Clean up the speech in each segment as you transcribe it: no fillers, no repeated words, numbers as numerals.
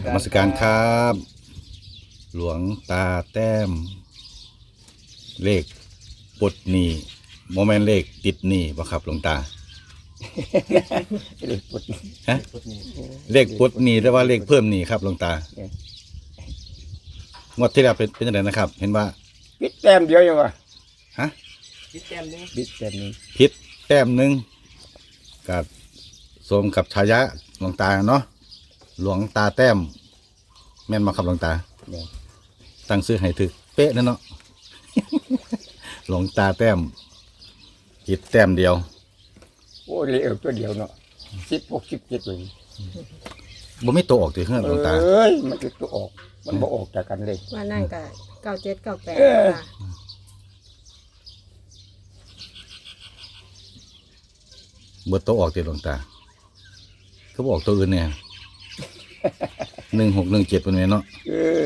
นมัสการครับ หลวงตาแต้ม เลขปลดหนี้โมเมนต์เลขติดหนี้บ่ครับหลวงตาเลขปดฮะเลขปลดหนี้หรือว่าเลขเพิ่มหนี้ครับหลวงตา งวดที่แล้วเป็นยังไงนะครับ เห็นว่าปิดแต้มเดียวยังวะฮะปิดแต้มนี้ปิดแต้มนี้พิษแต้มหนึ่งกับสมกับฉายาหลวงตาเนาะหลวงตาแต้ม แม่นมาครับหลวงตาเนี่ยตั้งซื้อให้ถึกเป๊ะนั่นเนาะ หลวงตาแต้มผิดแต้มเดียวโอ้เลขตัวเดียวเนาะ16 17เลยบ่มีตัวออกติเฮือนหลวงตาเอ้ยมันคือตัวออกมันบ่ออกจากกันเลยว่านั่นก็97 98ค่ะเบิดตัวออกติหลวงตาก็บออกตัวอื่นเนี่ย 1617เป็นไงเนาะเออง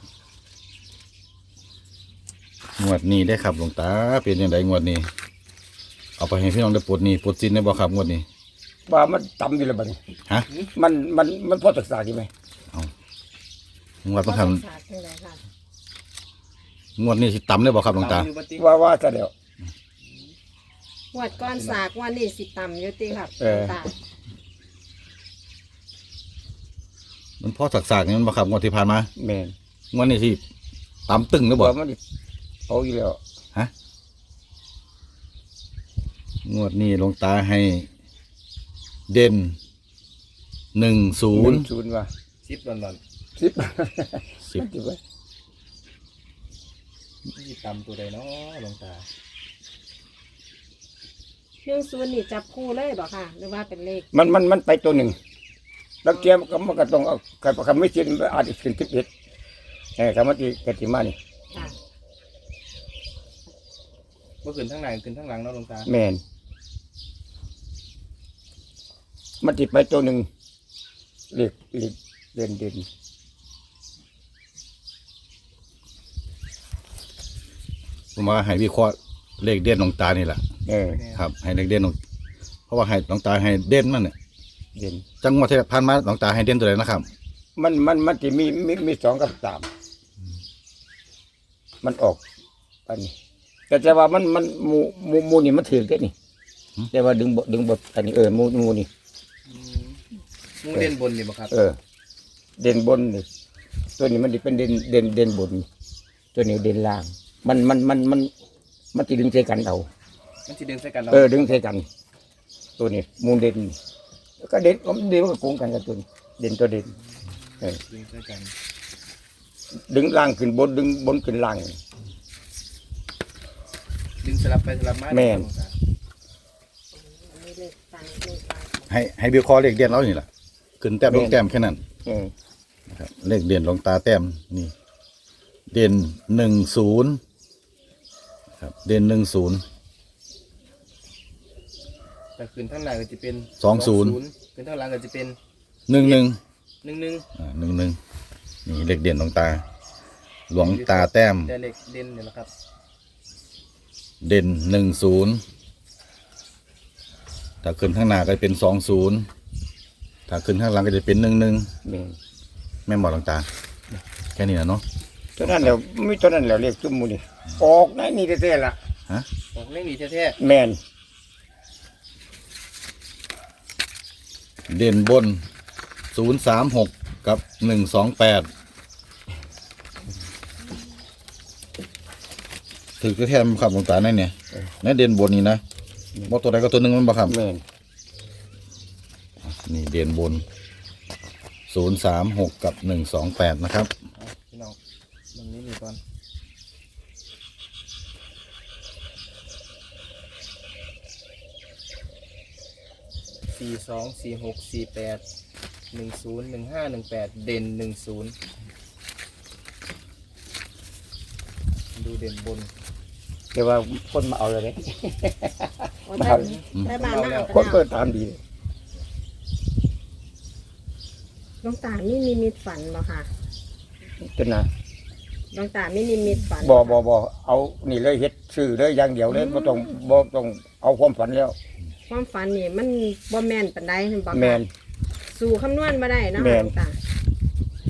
วดนี้ได้ครับหลวงตาเป็นยังไงงวดนี้ เอาไปให้พี่น้องได้ปลดหนี้ปลดสินได้บ่ครับงวดนี้ว่ามันต่ำอยู่แล้วบัดนี้ฮะมันพอศึกษาดีไหมงวดต้องทศาสตร์จังไดค่ะำงวดนี้สิต่ำได้บ่ครับหลวงตาว่าซะแล้วงวดก้อนสากงวันนี้สิต่ำอยู่ติครับเออตามันพอสักๆนี่มันบ่ครับงวดที่ผ่านมาแม่นงวดนี้สิต่ำตึงหรือบ่ว่ามันเอาอยู่แล้วงวดนี้หลวงตาให้เด่น10 10ว่ะ 10หล่อน 10 10 มันสิว่าๆที่ตำตัวใดเนาะหลวงตาเรื่องศูนย์นี่จับคู่เลยบ่ค่ะ หรือว่าเป็นเลขมันไปตัวหนึ่งแล้วเตรียมมันก็ต้องเอาคำไม่ชินอาจจะเป็น11คำว่าที่กติมานี่ค่ะบ่ขึ้นทั้งหน้าขึ้นทั้งหลังเนาะหลวงตาแม่นมันติดไปตัวหนึ่งเลขเด่นผมว่าให้วิเคราะห์เลขเด่นหลวงตานี่แหละ ครับ ให้เลขเด่นหลวงเพราะว่าให้หลวงตาให้เด่นมันเนี่ยเด่นจังหวะที่ผ่านมาหลวงตาให้เด่นตัวไหนนะครับมันจะมี2 กับ 3มันออกอันนี้แต่ว่ามันหมูนี่มันถือแค่นี่แต่ว่าดึงบทอันนี้หมูนี่หมูเด่นบนนี่บ่ครับเด่นบนนี่ตัวนี้มันจะเป็นเด่นบนตัวนี้เด่นล่าง มันจะดึงใส่กันเอามันสิดึงใส่กันเนาะดึงใส่กัน ตัวนี้มูเด่นแล้วก็เด่นมันเด่นมันก็โกงกันกับตัวนี้เด่นตัวเด่นดึงใส่กันดึงล่างขึ้นบนดึงบนขึ้นล่างดึงสลับไปสลับมาแม่นหลวงตาอันนี้เลขตังเลขตังให้วิเคราะห์เลขเด่นแล้วนี่แหละขึ้นแต้มลงแต้มแค่นั้นเออนะครับเลขเด่นหลวงตาแต้มนี่ เด่น10ครับเด่น10 แต่ขึ้นทั้งหน้าก็จะเป็น 20 ขึ้นทั้งหลังก็จะเป็น 11 11 11นี่เลขเด่นหลวงตา หลวงตาแต้มแต่เลขเด่นนี่แหละครับเด่น10ถ้าขึ้นข้างหน้าก็จะเป็น20ถ้าขึ้นข้างหลังก็จะเป็น11 แม่นแม่นบอกหลวงตา แค่นี้นะเนาะตัวนั้นแล้วมีตัวนั้นแล้วเรียกจุ่มมูนี่ออกในนี่แท้ๆล่ะออกเลขนี้แท้แม่นเด่นบน036กับ128ถือแค่ๆครับหลวงตานั่นเนี่ยในเด่นบนนี่นะบ่ตัวใดก็ตัวหนึงมันบ่ครับแม่นนี่เด่นบน036กับ128นะครับๆเอาพี่น้องตรงนี้นี่ก่อน424648101518เด่น10ดูเด่นบนแต่ว่าคนมาเอาเลยเนี่ยโอ้แต่บ้านมาเอาคนไปเปิแล้วดตามดีเลยหลวงตามีนิมิตฝันบ่ค่ะจนนะหลวงตามีนิมิตฝันบ่เอานี่เลยเฮ็ดซื้อเลยอย่างเดียวเลยบ่ต้องเอาความฝันแล้วความฝันนี่มันบ่แม่นปานใดเห็นบ่แม่ค่ะนสู่คำนวณบ่ได้เนาะแม่ค่ะหนลวงตา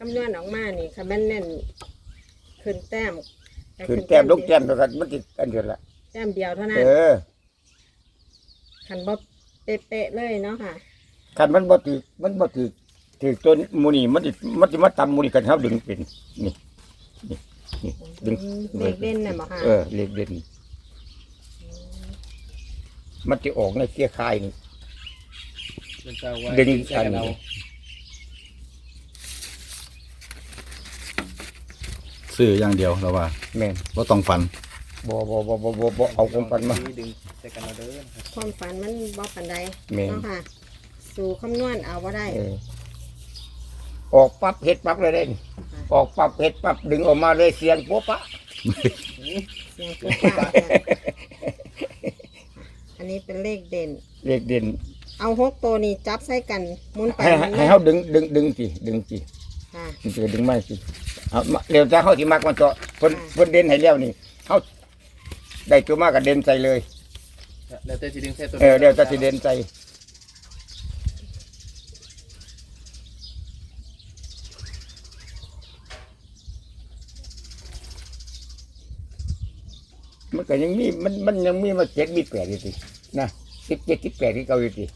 ำนวณออกมานี่ค่ะแม่นเน้นขึ้นแต้มขึ้นแต้มลงแต้มเท่ากันมันติดกันอยู่ละแต้มเดียวเท่านั้น ขันบ่เป๊ะๆเลยเนาะค่ะคันมันบ่ถือตัวมูนี่มันสิมาตำมูนี่กันเฮาดึงเป็นนี่ดึงเลขเด่นน่ะบ่ค่ะเลขเด่นมันจะออกในเกียร์คายนี่เป็นเจ้าไว้ดึงใส่กันเอาซื้ออย่างเดียวแล้วว่าแม่นว่าต้องฟันบ่เอาของปันมาดึงใส่กันเอาเด้อนะครับความฝันมันบ่ปานใดแม่นเนาะค่ะ สู่คำนวณเอาบ่ได้ออกปั๊บเฮ็ดปั๊บเลยเด้นี่ออกปั๊บเฮ็ดปั๊บดึงออกมาเลยเสียงโป๊ะปะเสียงปุ๊บปั๊บเนี่ยอันนี้เป็นเลขเด่นเลขเด่นเอา6ตัวนี้จับใส่กันหมุนไปให้เฮาดึงสิค่ะมันจะดึงไม่สิเอามาเร็วจะเฮาสิมักมันเจาะเพิ่นเด่นให้แล้วนี่เฮาได้ตัวมากก็เด่นใจเลยแล้วแต่จะดึงใส่ตัวเดี๋ยวจะสิเด่นใจมันก็ยังมีมันยังมีมา7มี8อยู่สินะ17 18ที่เก่าอยู่สิ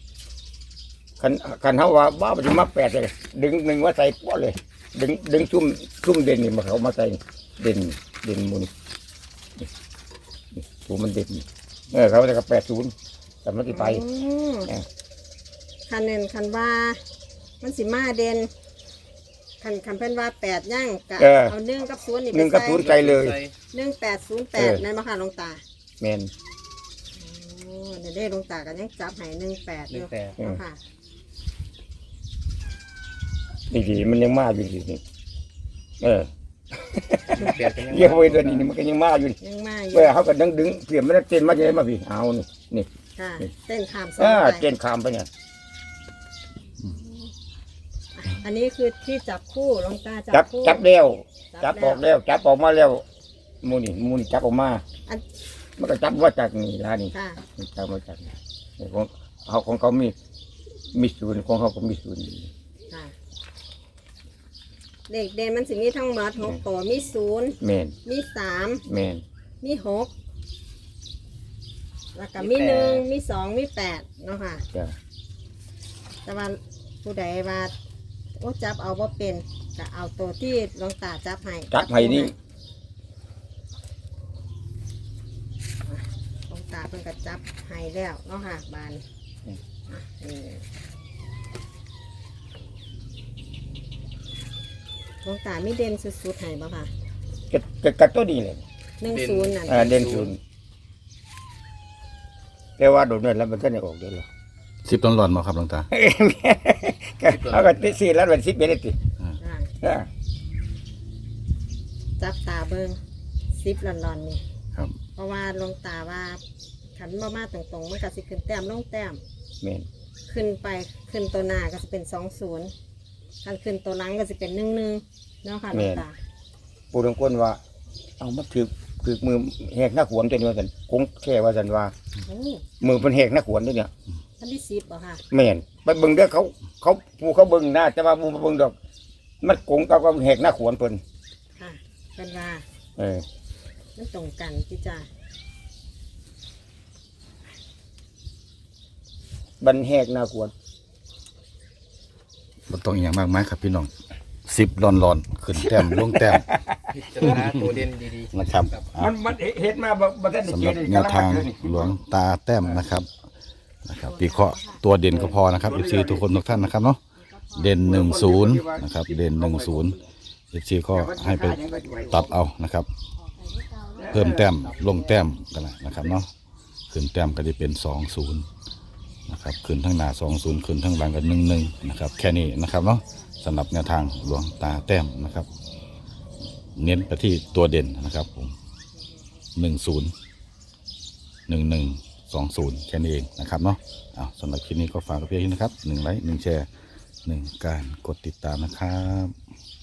คันเฮาว่าบ้ามันสิมา8เลยดึงหนึ่งว่าใส่ป๊อเลยดึงซุ่มเด่นนี่มาเขามาใส่เด่นหมุนถูมันเด่นเขาจะกับ80แต่มันสิไปอืมเออคันเน้นคันว่ามันสิมาเด่นคันเพิ่นว่า8ย่างกะเอา1กับ0นี่ไป 1กับ0ใจเลย 1808นั่นบ่ค่ะหลวงตาแม่นโอ้เดี๋ยวได้หลวงตากันยังจับให้18อยู่ 18 เนาะค่ะดีๆมันยังมาอยู่ดิเปลี่ยนกันยังเยี่ยมไว้ตัวนี้มันก็ยังมาอยู่ยังมาอยู่เขาก็ดึงเปลี่ยนมันเต้นมาจะได้มาพี่เอานี่ค่ะเต้นขามสองเต้ไปนขามไปเนี่ยอันนี้คือที่จับคู่หลวงตาจับคู่จับแล้วจัจับบออกแล้วจับออกมาแล้วมูนี่จับออกมาอันมันก็จับว่าจากนี่ร้านนี่ค่ะจับมาจากนี่ของเขามีศูนย์ของเขาก็มีศูนย์ค่ะเด็กเด่นมันสิมีทั้งหมด6ตัวมี0 แม่นมี3 แม่นมี6แล้วก็มี1มี2มี8เนาะค่ะจ้ะแต่ว่าผู้ใดว่าโอ้จับเอาว่าเป็นก็เอาตัวที่หลวงตาจับให้จับให้นี่หลวงตาเพิ่นก็จับให้แล้วเนาะค่ะบานนี่หลวงตาไม่เด่นสุดๆให้บ่ค่ะกับตัวนี้เลย 10นั่นเด่นศูนย์แต่ว่าโดนเนี่ยแล้วมันก็จะออกเดี๋ยวหรอ 10ต้นหลอนมาครับหลวงตาเอาก็ติด4แล้วเป็น10เป็นติจ้ะจับตาเบิ่ง10หลอนๆนี่ครับเพราะว่าหลวงตาว่าขันบ่มาตรงๆมันก็สิขึ้นแต้มลงแต้มแม่นขึ้นไปขึ้นตัวหน้าก็จะเป็น20คันขึ้นตัวหลังก็จะเป็น11เนาะค่ะหลวงตาปู่ตรงก้นว่า เอามาถือมือแหกหน้าขวนตัวนี้ว่าสันคงแค่ว่าสันว่าโอ้มือเป็นแหกหน้าขวนด้วยเนี่ยอันที่10บ่ค่ะแม่นไปเบิ่งเด้อเขาปู่เขาเบิ่งหน้าแต่ว่าปู่มาเบิ่งดอก มันคงกับก็แหกหน้าขวนเพิ่นค่ะเป็นว่าเออมันตรงกันพี่จ้าบันแหกหน้าขวนบ่ต้องอหย่างมากมายครับพี่น้อง10หลอนๆขึ้นแต้มลงแต้มพิจารณาตัวเด่นดีๆนะครับอ่ะมันเฮ็ดมาบ่ทันได้สำหเจรับเลยแนวทางหลวงตาแต้มนะครับวิเคราะห์ตัวเด่นก็พอนะครับ FC ทุกคนทุกท่านนะครับเนาะเด่น10นะครับเด่น10 FC ก็ให้ไปตัดเอานะครับ เพิ่มแต้มลงแต้มกันนะครับเนาะขึ้นแต้มก็จะเป็น20นะครับขึ้นทั้งหน้า20ขึ้นทั้งหลังกัน11นะครับแค่นี้นะครับเนาะสำหรับแนวทางหลวงตาแต้มนะครับ เน้นไปที่ตัวเด่นนะครับผม10 11 20แค่นี้เองนะครับเนาะเอาสำหรับคลิปนี้ก็ฝากกับเพียงนี้นะครับ1 ไลค์ 1 แชร์ 1 การกดติดตามนะครับ